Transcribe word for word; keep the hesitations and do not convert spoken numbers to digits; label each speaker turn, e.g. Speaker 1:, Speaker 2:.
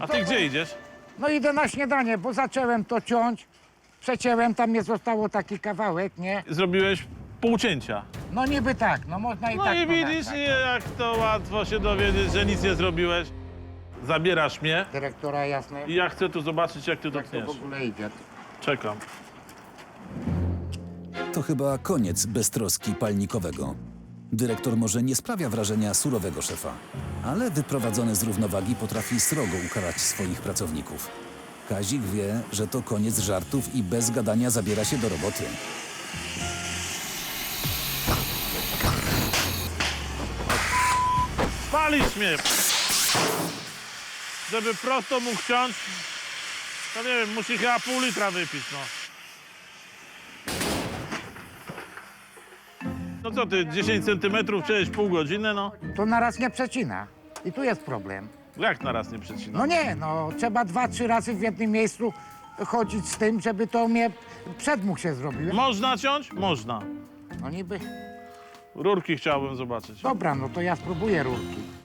Speaker 1: ty
Speaker 2: to-
Speaker 1: gdzie idziesz?
Speaker 2: No idę na śniadanie, bo zacząłem to ciąć. Przecięłem, tam nie zostało taki kawałek, nie?
Speaker 1: Zrobiłeś półcięcia.
Speaker 2: No niby tak, no można i
Speaker 1: No
Speaker 2: tak.
Speaker 1: i
Speaker 2: no
Speaker 1: widzisz,
Speaker 2: tak,
Speaker 1: jak to łatwo się dowiedzieć, że nic nie zrobiłeś. Zabierasz mnie
Speaker 2: Dyrektora, jasne.
Speaker 1: i ja chcę tu zobaczyć, jak ty to
Speaker 2: Jak to w
Speaker 1: tniesz.
Speaker 2: ogóle idzie.
Speaker 1: Czekam.
Speaker 3: To chyba koniec beztroski palnikowego. Dyrektor może nie sprawia wrażenia surowego szefa, ale wyprowadzony z równowagi potrafi srogo ukarać swoich pracowników. Kazik wie, że to koniec żartów i bez gadania zabiera się do roboty.
Speaker 1: Palisz mnie! Żeby prosto mógł ciąć, to nie wiem, musi chyba pół litra wypić, no. No co ty, dziesięć centymetrów, chciałeś pół godziny, no?
Speaker 2: To naraz nie przecina. I tu jest problem.
Speaker 1: Jak na raz nie przecina?
Speaker 2: No nie, no trzeba dwa, trzy razy w jednym miejscu chodzić z tym, żeby to mnie przedmuch się zrobił.
Speaker 1: Można ciąć? Można.
Speaker 2: No niby.
Speaker 1: Rurki chciałbym zobaczyć.
Speaker 2: Dobra, no to ja spróbuję rurki.